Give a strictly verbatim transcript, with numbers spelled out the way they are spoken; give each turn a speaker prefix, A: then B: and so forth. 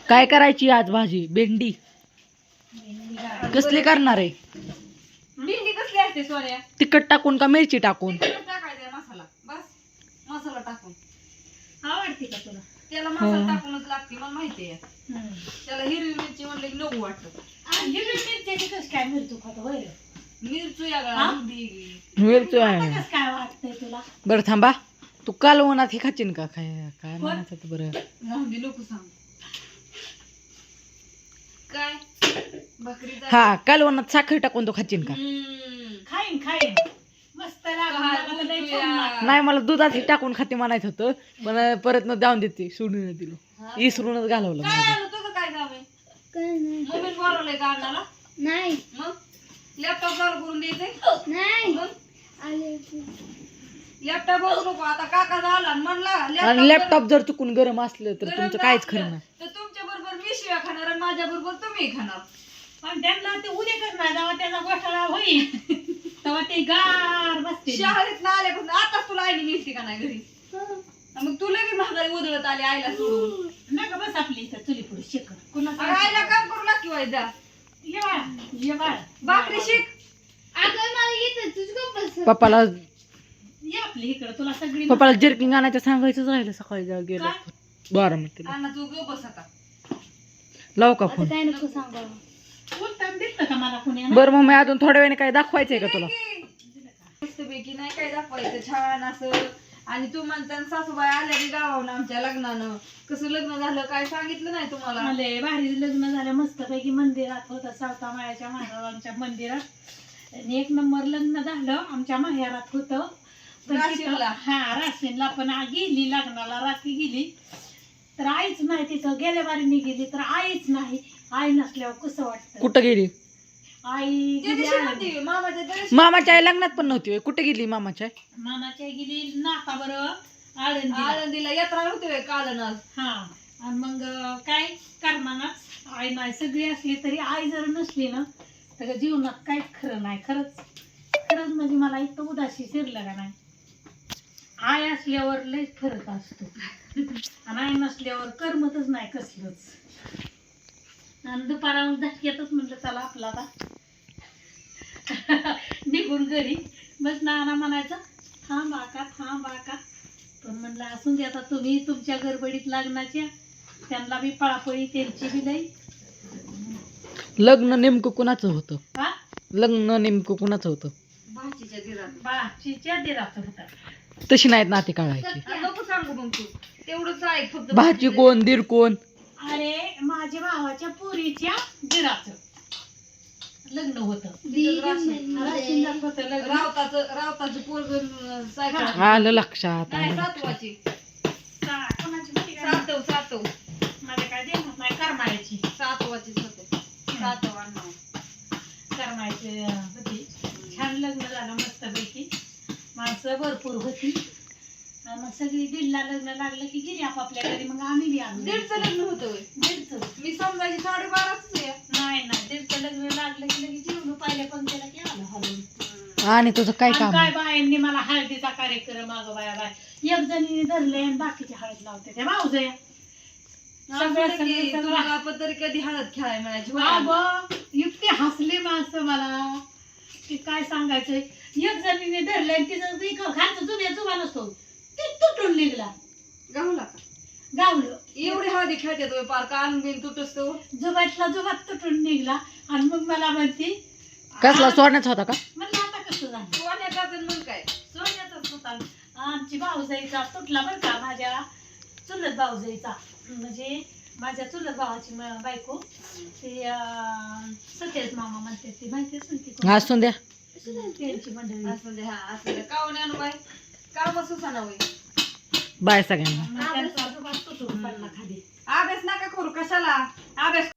A: काय करायची आज भाजी? भेंडी कसली करणार आहे?
B: भेंडी कसली असते सोन्या?
A: तिखट टाकून का मिरची टाकून?
B: टाकायचा मसाला, बस मसाला टाकून.
C: आवडते का तुला?
B: त्याला मसाला टाकूनच लागते, मला माहिती आहे. त्याला हिरवी मिरची म्हणलं की नको वाटत.
C: हिरवी मिरची कसं काय मिरचू खातो होय?
B: मिरचू या
A: मिरची आहे.
C: कसं काय वाटतंय तुला?
A: बरं थांबा, तू कालवणात हे खाचीन का? काय काय म्हणायचं होतं बरं?
B: गांधी नको सांग काय भाकरीचा.
A: हा, कालवणात साखर टाकून तो खाचीन का?
C: खाईन खाईन मस्त लागलं. लय छान लागलं.
A: नाही, मला दुधात हे टाकून खाते म्हणायचं होतं, पण परत न जाऊन देते, सोडून दिलं, इसरूनच घालवलं.
B: काय आलं तुझं? काय काम आहे? मोबाईल बोलवलंय का अण्णाला?
C: नाही
B: मग लॅपटॉप चालू करून द्यायचंय.
C: नाही
B: लॅपटॉप बघू नको आता. काका झाला आणि म्हणला
A: आणि लॅपटॉप जर चुकून गरम असलं तर तुमचं काहीच खरं नाही.
B: तर तुमच्या बरोबर मी शिव्या खाणार आणि माझ्या बरोबर तुम्ही खाणार.
C: पण त्यांना ते उद्या करणार जेव्हा त्याचा गोठाळा होईल तेव्हा ते गार बसते.
B: शाळेत ना आल्यापासून आताच तुला आईने नेसती का नाही घरी? मग तुला बी महागाई उधळत आली आईला सोडून.
C: नका बस आपली इथं चुली पुढे शिक.
B: अगं आईला काम करू लागली वायदा.
C: ये बाळ ये बाळ
B: भाकरी शिक.
A: पप्पाला
C: ये आपली इकडं तुला सगळी
A: पप्पाला जर्किंग आणायचं सांगायचंच राहिलं सकाळी जेव्हा गेलो बारामतीला.
B: अण्णा तू गप बस आता.
A: लावू का फोन?
C: काय नको सांगा. उत्तम दिसतं का मला कुणी?
A: बरं मग मी अजून थोड्या वेळाने काय दाखवायचंय का तुला?
B: मस्तपैकी नाही काय दाखवायचं छान असं. आणि तू म्हणता सासूबाई आल्या की गावाहून आमच्या लग्नानं कसं लग्न झालं काय सांगितलं नाही तुम्हाला?
C: मला भारी लग्न झालं मस्तपैकी. मंदिरात होतं सावता माळ्याच्या महाराजांच्या मंदिरात. आणि एक नंबर लग्न झालं. आमच्या माहेरात होतं
B: राशीनला.
C: हा राशीनला. पण आ- गेली लग्नाला रात्री गेली तर आईच नाही तिथं. गेल्या बारीने गेली तर आईच नाही. आई नसल्यावर कसं वाटतं?
A: कुठं गेली?
C: आई
B: त्या
C: गेली
B: दिवशी
C: आळंदी.
B: नव्हती, मामाच्या त्या दिवशी.
A: मामाच्या आई लग्नात पण नव्हती होय? कुठे गेली मामाच्या आई?
C: मामाच्या गेली नाका बरं आळंदी.
B: आळंदीला यात्रा नव्हती काल आज.
C: हा आणि मग काय करमानाच आई नाही. सगळी असली तरी आई जर नसली ना तर जीवनात काहीच खरं नाही. खरंच खरंच म्हणजे मला इतकं उदासी शिरलं का नाही. आई असल्यावर लय फरक असतो आणि आई नसल्यावर करमतच नाही कसलंच. आणि दुपारा धक्क्यातच म्हटलं चला आपला आता निघून घरी. बस नाना म्हणायचं थांब आका थांब आका. पण म्हणलं असून दे आता. तुम्ही तुमच्या गडबडीत लग्नाच्या त्यांना बी पळापळी त्यांची बी लई.
A: लग्न नेमकं कुणाचं होतं?
C: हा
A: लग्न नेमकं कुणाचं होतं?
B: भाचीच्या घरात.
C: बाळाचीच्या दिराचं होतं.
A: तशी नाहीत नाती काढायची.
B: नको सांगू मग तू तेवढंच ऐक फक्त.
A: भाची कोण दीर कोण?
C: अरे माझ्या भावाच्या पोरीच्या दिराचं लग्न होतं. राशीनदार होतं लग्न.
B: रावताचं रावताचं पोरग सायकल
A: आलं लक्षात
B: नाही
A: आलं.
B: सातवाची.
C: सा- कोणाची मुलगी काय?
B: सातव सातव
C: माझ्या काय देणार नाही. करमाळ्याची
B: सातवाचीच होते. सातव अण्णा
C: करमाळ्याची होती. छान लग्न झालं मस्तपैकी. माणसं भरपूर होती. आणि मग सगळी दीडला लग्न लागलं की गेली आपापल्या घरी. मग आम्ही बी आलो.
B: दीडचं लग्न होतं होय.
C: दीडचं
B: मी समजायची साडेबाराच आहे.
C: नाही नाही दीडचं लग्न लागलं की लगेच जेवण पाहिल्या पण त्याला की आलं हलवून.
A: आणि तुझं काय
C: आणि
A: काम?
C: काय बायांनी मला हळदीचा कार्यक्रम अगं बाया बाय एक जणीने धरले आणि बाकीचे हळद लावते त्या भाऊजया. सगळं सगळं सगळं
B: तुम्हाला पण तरी कधी हळद खेळायला मिळायची होय?
C: अगं इतके हसले माणसं मला की काय सांगायचं. एक जणीने धरले आणि तिचं बी खालचं जुन्या जुबा नसतो ते तुटून निघला.
B: गावला का?
C: गावलं
B: एवढी हळदी खेळते तुम्ही पार कान बिन तुटस तो.
C: जुबातला जुबात तुटून निघला. आणि मग मला म्हणते
A: कसला सोडण्याचा होता का?
C: म्हणलं आता कसं झालं.
B: सोन्याचा तर मग काय
C: सोन्याचाच होता. आमची भाऊजाईचा तुटला बरं का. माझ्या चुलत भाऊजाईचा म्हणजे माझ्या चुलत भावाची म- बायको ते अं, सतेज मामा म्हणते ती माहिती असेल की कोण?
A: असून द्या.
C: त्यांची मंडळी.
B: असं दे. हा असं दे. कावणे आणू बाई काम सुसाना होई.
A: बाय सगळ्यांना.
C: मग त्यांचा जुबात तुटून पडला खाली.
B: अभ्यास नका करू कशाला अभ्यास